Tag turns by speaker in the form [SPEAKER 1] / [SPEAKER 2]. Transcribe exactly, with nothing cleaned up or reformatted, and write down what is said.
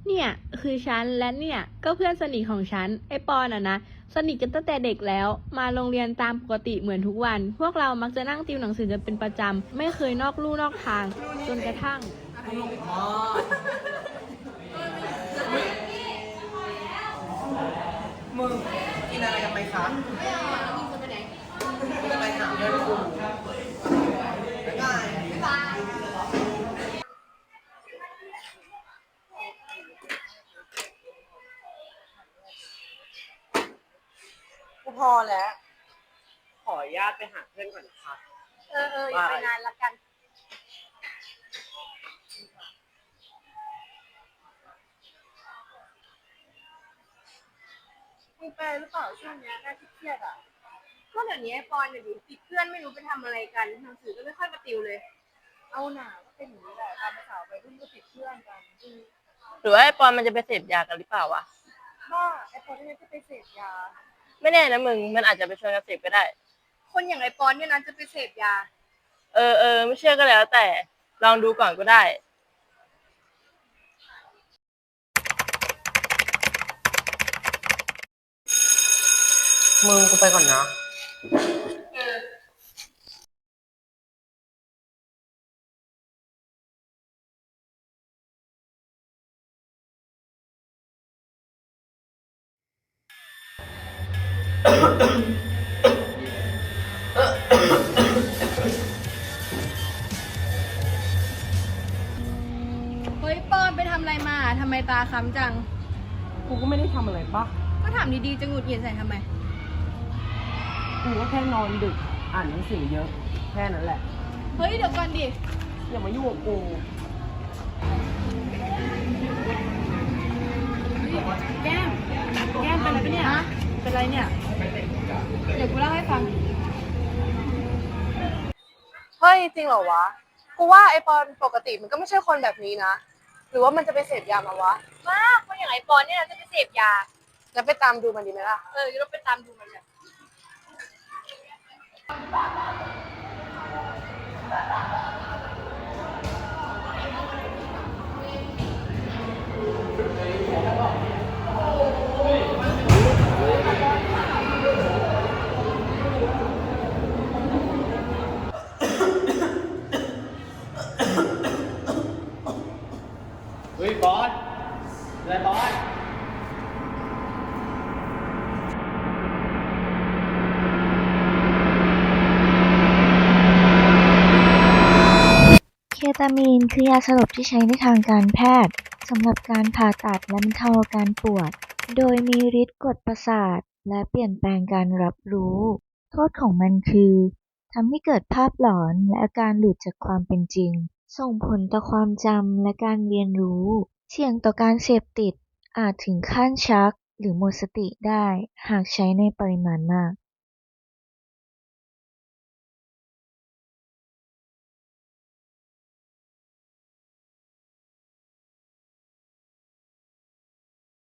[SPEAKER 1] เนี่ยคือฉันและเนี่ยก็เพื่อนสนิทของฉันไอปอนอ่ะนะสนิทกันตั้งแต่เด็กแล้วมาโรงเรียนตามปกติเหมือนทุกวันพวกเรามักจะนั่งติวหนังสือกันเป็นประจำไม่เคยนอกลู่นอกทางจนกระทั่ง
[SPEAKER 2] มึงกินอะไรกันไหมคะไม่เอาอ่ะมึงจะไปไหนมึงจะไปหาเพื่อนกูบ๊ายบายบ๊ายบายกูพอแล้ว ขออนุญาตไปหาเพื่อนก่อนนะคะ
[SPEAKER 3] เออเอออย่าไปนานละกันมึงเป็นหรือเปล่าช่วงเนี้ยน่าเครียดอ่ะก็เดี๋ยวนี้ไอ้ปอนเนี่ยดิติดเพื่อนไม่รู้ไปทำอะไรกันหนังสือก็ไม่ค่อยมาติวเลยเอาหนาก็เป็นอย่างนี้แหละตามภาษาวัยรุ่นก็ติดเพื่อนกันอืม
[SPEAKER 4] หรือว่าไอ้ปอนมันจะไปเสพยากันหรือเปล่าวะ
[SPEAKER 3] บ้าไอ้ปอนที่จะไปเสพยา
[SPEAKER 4] ไม่แน่นะมึง มันอาจจะไปชวนกันเสพก็ได้
[SPEAKER 3] คนอย่างไอ้ปอนเนี่ยนะจะไปเสพยา
[SPEAKER 4] เออเออไม่เชื่อก็แล้วแต่ ลองดูก่อนก็ได้
[SPEAKER 2] มึงกูไปก่อนนะ
[SPEAKER 3] เฮ้ยปอนไปทำอะไรมาทำไมตาค้ำจัง
[SPEAKER 2] กูก็ไม่ได้ทำอะไรปะ
[SPEAKER 3] ก็ถามดีๆจะหงุดหงิดใส่ทำไม
[SPEAKER 2] กูก็แค่นอนดึก อ่านหนังสือเยอะ แค่นั้นแหละ
[SPEAKER 3] เฮ้ยเดี๋ยวก่อนดิ
[SPEAKER 2] อย่ามายุ่งกับกู
[SPEAKER 3] แก้ม แก้มเป็นอะไรปะเนี่ย เป็นอะไรเนี่ย เดี๋ยวกูเล่าให้ฟัง
[SPEAKER 5] เฮ้ยจริงเหรอวะ กูว่าไอปอนปกติมันก็ไม่ใช่คนแบบนี้นะ หรือว่ามันจะไปเสพยามาวะ
[SPEAKER 3] มากคนอย่างไอ้ปอนเนี่ยนะจะไปเสพยา
[SPEAKER 5] แล้วไปตามดูมันดีไหมล่ะ
[SPEAKER 3] เออเดี๋ยวเราไปตามดูมันกัน
[SPEAKER 6] เฮ้ยบอสอะไรบอส
[SPEAKER 7] เคตามีนคือยาสลบที่ใช้ในทางการแพทย์สำหรับการผ่าตัดและบรรเทาอาการปวด โดยมีฤทธิ์กดประสาทและเปลี่ยนแปลงการรับรู้ โทษของมันคือทำให้เกิดภาพหลอนและอาการหลุดจากความเป็นจริง ส่งผลต่อความจำและการเรียนรู้ เสี่ยงต่อการเสพติดอาจถึงขั้นชักหรือหมดสติได้หากใช้ในปริมาณมาก